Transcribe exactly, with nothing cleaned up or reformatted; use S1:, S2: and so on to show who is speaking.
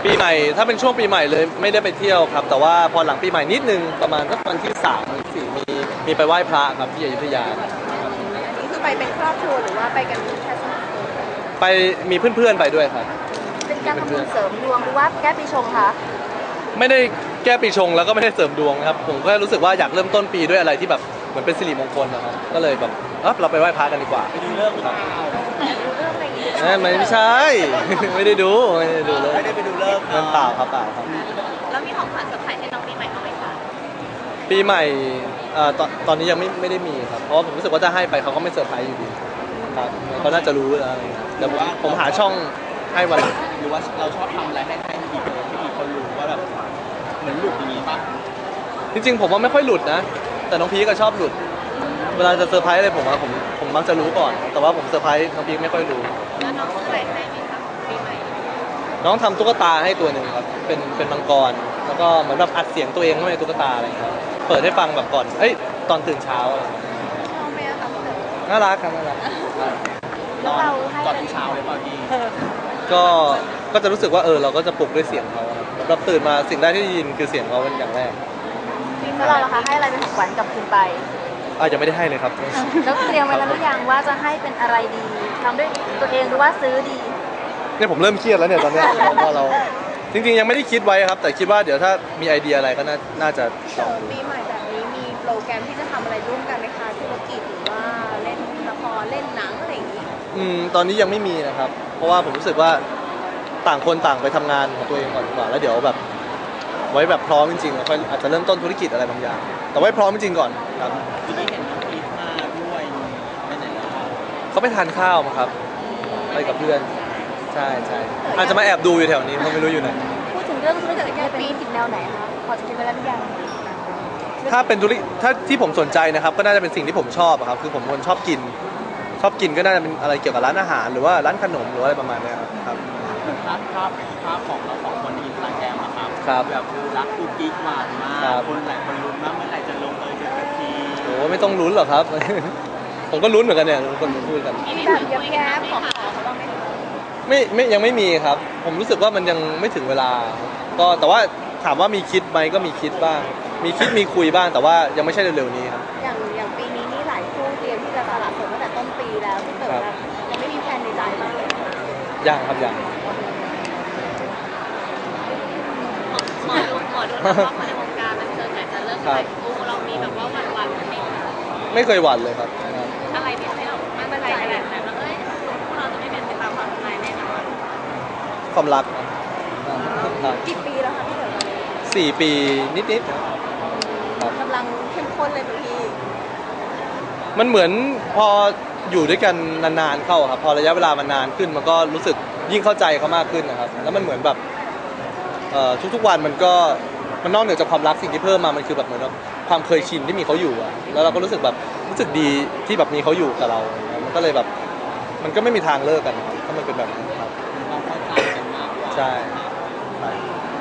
S1: ปีใหม่ถ้าเป็นช่วงปีใหม่เลยไม่ได้ไปเที่ยวครับแต่ว่าพอหลังปีใหม่นิดนึงประมาณสักวันที่สามหรือสี่มีมีไปไหว้พระครับที่อยุธยา
S2: อันนี้คือไปเป็นครอบครัวหรือว่าไปกันแค่สองคน
S1: ไปมีเพื่อนๆไปด้วยครับ
S3: เป็นการทำบุญเสริมดวงหรือว่าแก้ปีชงคะ
S1: ไม่ได้แก้ปีชงแล้วก็ไม่ได้เสริมดวงครับผมก็รู้สึกว่าอยากเริ่มต้นปีด้วยอะไรที่แบบเหมือนเป็นสิริมงคลนะครับก็เลยแบบเออเราไปไหว้พระกันดีกว่าไปดูเลิกครับ
S2: ดูเรื่องอะไรอย่างเงี้ย
S1: ไม่ไม่ใช่ ไม่ได้ดูไม่ได้ดูเลยไม่ได้ไปดูเลิกมันเปล่าครับเปล่าครับ
S2: แล้วมีของขวัญเซอร์ไพรส์ให้น้องปีใหม่เขาไหมคะ
S1: ปีใหม่เอ่อตอนตอนนี้ยังไม่ไม่ได้มีครับเพราะว่าผมรู้สึกว่าจะให้ไปเขาก็ไม่เซอร์ไพรส์อยู่ดีครับเขาน่าจะรู้แล้วอะไรเงี้ยเดี๋ยวผมผมหาช่องให้วันหลัง
S4: หรือว่าเราชอบทำอะไรให้ให้ทีเดียวที่มีคนรู้ว่าแบบเหมือนหลุดอย่างนี้ป่ะ
S1: จริงๆผมว่าไม่ค่อยหลุดนะแต่น้องพีก็ชอบหลุดเวลาจะเซอร์ไพรส์อะไรผมว่าผมผมมักจะรู้ก่อนแต่ว่าผมเซอร์ไพรส์น้องพีไม่ค่อยรู้
S2: แล้วน้องซื้ออะไรให้ไหมคะปีใหม่
S1: น้องทำตุ๊กตาให้ตัวหนึ่งครับเป็นเป็นมังกรแล้วก็เหมือนแบบอัดเสียงตัวเองเข้าในตุ๊กตาอะไรอย่างเงี้ยเปิดให้ฟังแบบก่อนเอ้ยตอนตื่นเช้าอะไรอย่างเงี้ย
S2: ชอบไหมอะคะพี่เต๋อ
S1: น่ารักครับน่ารัก
S3: แล้วเราให้
S4: ตอน
S3: เป็น
S4: ที่เช้าเลยเปล่าพี่
S1: ก็ก็จะรู้สึกว่าเออเราก็จะปลุกด้วยเสียงเขาครับเราตื่นมาสิ่งแรกที่ได้ยินคือเสียงเขาเป็นอย่างแรก
S3: แล้วเราล่ะคะให้อะไรเป็นของขวัญกับคุณไป
S1: อ่ะยังไม่ได้ให้เลยครับ
S3: แล้วเตรียมไว้แล้วหรือยังว่าจะให้เป็นอะไรดีทำด้วยตัวเองหรือว่าซื้อดี
S1: เนี่ยผมเริ่มเครียดแล้วเนี่ยตอนเนี้ยพอเราจริงๆยังไม่ได้คิดไว้ครับ แต่คิดว่าเดี๋ยวถ้ามีไอเดียอะไรก็น่าน่าจะ
S2: พี่เต๋อปีใหม่แบบนี้มีโปรแกรมที่จะทำอะไรร่วมกันไหมคะธุรกิจหรือว่าเล่นละครเล่นหนังอะไรอย่างงี้
S1: อืมตอนนี้ยังไม่มีนะครับ เพราะว่าผมรู้สึกว่าต่างคนต่างไปทำงานของตัวเองก่อนดีกว่าแล้วเดี๋ยวแบบไว้แบบพร้อมจริงๆแล้วค่อยอาจจะเริ่มต้นธุรกิจอะไรบางอย่างแต่ไว้พร้อมจริงๆก่อนครับ
S4: ทีนี้เห็นน้องพีทมาด้วยไปไหนแล้ว
S1: เขาไปทานข้าวมาครับไปกับเพื่อนใช่ใช่อาจจะมาแอบดูอยู่แถวนี้เขาไม่รู้อยู่ไหน
S3: พูดถึงเรื่องธุรกิจเนี่ยเป็นธุรกิจแนวไหนคะพอจะคิดไว้แล้วหรือยัง
S1: ถ้าเป็นธุรกิจถ้าที่ผมสนใจนะครับก็น่าจะเป็นสิ่งที่ผมชอบอะครับคือผมคนชอบกิน ชอบกินก็น่าจะเป็นอะไรเกี่ยวกับร้านอาหารหรือว่าร้านขนมหรือว่าอะไรประมาณเนี้ยครับครับ
S4: ภาพภาพภาพของเราสองคนในอินสตาแกรมอะครับ
S1: ครับ
S4: แบบรักกุ๊กกิ๊กหวานมา
S1: ครั
S4: ก
S1: บ
S4: คนหลายคนลุ้นมากเมื่อไหร่จะลงเอยกันสักที
S1: โอ้ไม่ต้องลุ้นหรอกครับ ผมก็ลุ้นเหมือนกันเนี่ยทุกคนพูดกัน
S2: มีแบบแย้มๆขอขอเขาบ้างไหมคะ
S1: ไม่ไม่ยังไม่มีครับ ผมรู้สึกว่ามันยังไม่ถึงเวลา ก็แต่ว่าถามว่ามีคิดไหมก็มีคิดบ้าง มีคิดมีคุยบ้างแต่ว่ายังไม่ใช่เร็วๆนี้ครับ
S2: อย่างอย่างปีนี้นี่หลายคู่เตรียมที่จะสละโสดตั้งแต่ต้นปีแล้วพี่เต๋อ
S1: ครับ
S2: ยังไม่มีแผนในใจบ้างเลย
S1: ยังครับยัง
S2: หมอดูหมอดูนักว่าคนในวงการบันเทิงเนี่ยจะเลิกขายคู่เรามีแบบว่าวันวันๆไหมคะ
S1: ไม่เคยหวั่นเลยครับ
S2: อะไรที่ทำให้เรามั่นใจขนาดนั้นว่าเอ้ยคู่เราจะไม่เป็นไปตามความหมายแน่นอน
S1: ความรักครับ
S2: กี่ปีแล้วคะพี่เต๋อตอนนี้
S1: สี่ปีนิดๆครับ
S2: กำลังเข้มข้นเลยบางที
S1: มันเหมือนพออยู่ด้วยกันนานๆเข้าครับพอระยะเวลามันนานขึ้นมันก็รู้สึกยิ่งเข้าใจเขามากขึ้นนะครับแล้วมันเหมือนแบบเอ่อทุกๆวันมันก็มันนอกเหนือจากความรักสิ่งที่เพิ่มมามันคือแบบเหมือนแบบความเคยชินที่มีเขาอยู่อะแล้วเราก็รู้สึกแบบรู้สึกดีที่แบบมีเขาอยู่กับเราอะไรเงี้ยมันก็เลยแบบมันก็ไม่มีทางเลิกกันนะครับถ้ามันเป็นแบบนั้นครับ
S4: เราเข้าใจกันมากกว่า
S1: ใช่ใช่
S4: แ